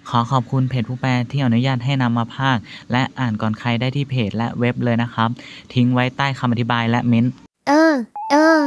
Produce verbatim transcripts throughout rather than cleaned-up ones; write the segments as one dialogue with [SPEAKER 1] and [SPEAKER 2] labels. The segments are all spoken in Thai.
[SPEAKER 1] ขอขอบคุณเพจผู้แปลที่อนุญาตให้นำมาพากย์และอ่านก่อนใครได้ที่เพจและเว็บเลยนะครับ ทิ้งไว้ใต้คำอธิบายและเม้นต์
[SPEAKER 2] เออ เออ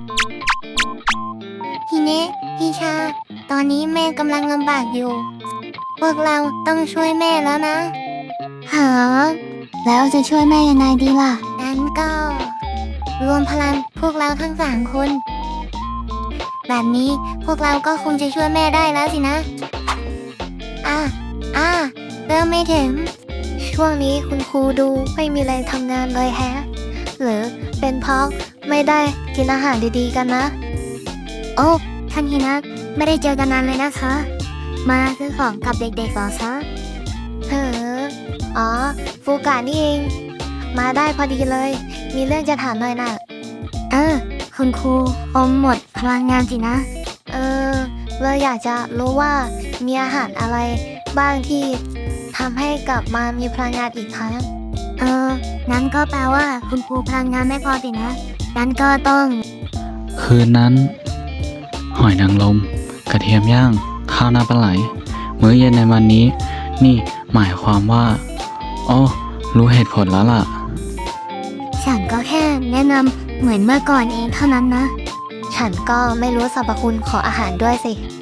[SPEAKER 2] ฮิเนะฮิชา ตอนนี้แม่กำลังลำบากอยู่ พวกเราต้องช่วยแม่แล้วนะหาแล้วจะช่วยแม่ยังไงดีล่ะงั้นก็ รวมพลังพวกเราทั้งสามคน แบบนี้พวกเราก็คงจะช่วยแม่ได้แล้วสินะ อ่ะ อ่ะ เริ่มไม่ถึง ช่วงนี้คุณครูดูไม่มีแรงทำงานเลยแฮะ หรือเป็นเพราะไม่ได้กินอาหารดีๆกันนะ โอ้ ท่านฮินะไม่ได้เจอกันนานเลยนะคะ มาซื้อของกับเด็กๆหรอคะเฮ้ออ๋อ ฟูกะนี่เอง มาได้พอดีเลย มีเรื่องจะถามหน่อยน่ะ เออ คุณครูอมหมดพลังงานสินะ เออเราอยากจะรู้ว่ามีอาหารอะไรบ้างที่ทำให้กลับมามีพลังงานอีกครั้ง เออ งั้นก็แปลว่าคุณครูพลังงานไม่พอสินะ งั้นก็ต้อง
[SPEAKER 1] คืนนั้น หอยนางรมกระเทียมย่าง ข้าวหน้าปลาไหล มื้อเย็นในวันนี้ นี่หมายความว่าอ๋อรู้เหตุผลแล้วล่ะ
[SPEAKER 2] ฉันก็แค่แนะนำเหมือนเมื่อก่อนเองเท่านั้นนะ ฉันก็ไม่รู้สรรพคุณของอาหารด้วยสิ